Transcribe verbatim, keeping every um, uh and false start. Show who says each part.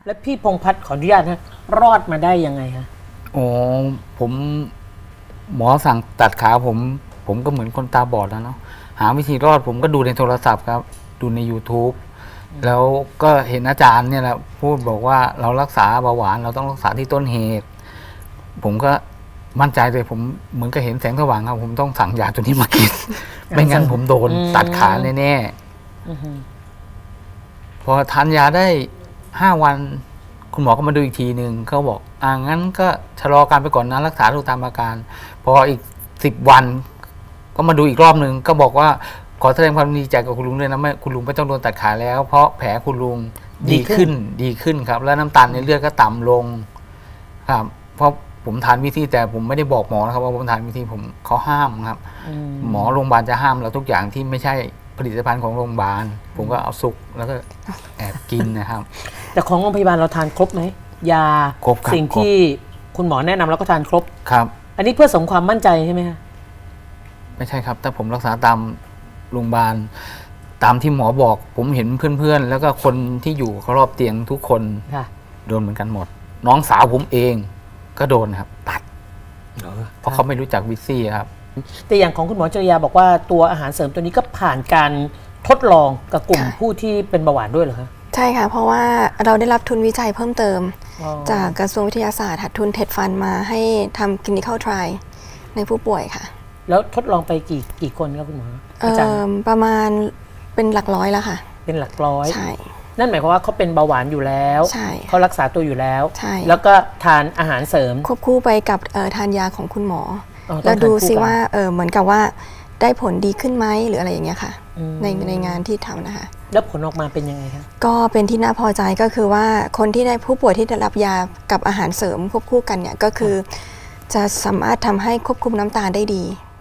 Speaker 1: และพี่พงษ์พัฒน์ขออนุญาตนะรอดมาได้ยังไงฮะ
Speaker 2: อ๋อผมหมอสั่งตัดขาผม ผมก็เหมือนคนตาบอดแล้วเนาะหาวิธีรอดผมก็ดูในโทรศัพท์ครับ ดูใน YouTube แล้วก็เห็นอาจารย์เนี่ยแหละพูดบอกว่าเรารักษาเบาหวานเราต้องรักษาที่ต้นเหตุ ผมก็มั่นใจเลยผมเหมือนกับเห็นแสงสว่างครับผมต้องสั่งยาตัวนี้มากิน ไม่งั้นผมโดนตัดขาแน่ๆพอทานยาได้ห้าวัน คุณหมอก็มาดูอีกทีหนึ่งเขาบอกอ่างั้นก็ชะลอการไปก่อนนะรักษาดูตามอาการ พออีกสิบวัน ก็มาดูอีกรอบหนึ่งก็บอกว่าขอแสดงความดีใจกับคุณลุงด้วยนะไม่คุณลุงไม่ต้องโดนตัดขาแล้ว เพราะแผลคุณลุงดีขึ้นดีขึ้นครับ แล้วน้ำตาลในเลือดก็ต่ำลงครับเพราะผมทานวิธีแต่ผมไม่ได้บอกหมอนะครับว่าผมทานวิธีผมเขาห้ามครับหมอโรงพยาบาลจะห้ามเราทุกอย่างที่ไม่ใช่ผลิตภัณฑ์ของโรงพยาบาลผมก็เอาสุกแล้วก็แอบกินนะครับ
Speaker 1: แต่ของโรงพยาบาลเราทานครบไหมยาสิ่งที่คุณหมอแนะนำเราก็ทานครบ
Speaker 2: ครับ
Speaker 1: อันนี้เพื่อเสริมความมั่นใจใช่ไหมคะ
Speaker 2: ไม่ใช่ครับแต่ผมรักษาตามโรงพยาบาลตามที่หมอบอก ผมเห็นเพื่อนๆแล้วก็คนที่อยู่รอบเตียงทุกคนโดนเหมือนกันหมดน้องสาวผมเองก็โดนครับตัดเพราะเขาไม่รู้จักวิซี่ครับ
Speaker 1: แต่อย่างของคุณหมอจริยาบอกว่าตัวอาหารเสริมตัวนี้ก็ผ่านการทดลองกับกลุ่มผู้ที่เป็นเบาหวานด้วยเหรอคะ
Speaker 3: ใช่ค่ะเพราะว่าเราได้รับทุนวิจัยเพิ่มเติมจากกระทรวงวิทยาศาสตร์ทุนเท็ดฟันมาให้ทำ clinical trial ในผู้ป่วยค่ะ
Speaker 1: แล้วทดลองไปกี่กี่คนครับคุณหมออาจารย์
Speaker 3: ประมาณเป็นหลักร้อยแล้วค่ะ
Speaker 1: เป็นหลักร้อย
Speaker 3: ใช่
Speaker 1: นั่นหมายความว่าเขาเป็นเบาหวานอยู่แล้วเขารักษาตัวอยู่แล้ว
Speaker 3: ใช่
Speaker 1: แล้วก็ทานอาหารเสริม
Speaker 3: ควบคู่ไปกับทานยาของคุณหมอแล้วดูซิว่าเหมือนกับว่าได้ผลดีขึ้นไหมหรืออะไรอย่างเงี้ยค่ะในในงานที่ทำนะคะ
Speaker 1: แล้วผลออกมาเป็นยังไงคะ
Speaker 3: ก็เป็นที่น่าพอใจก็คือว่าคนที่ได้ผู้ป่วยที่ได้รับยากับอาหารเสริมควบคู่กันเนี่ยก็คือจะสามารถทำให้ควบคุมน้ำตาลได้ดี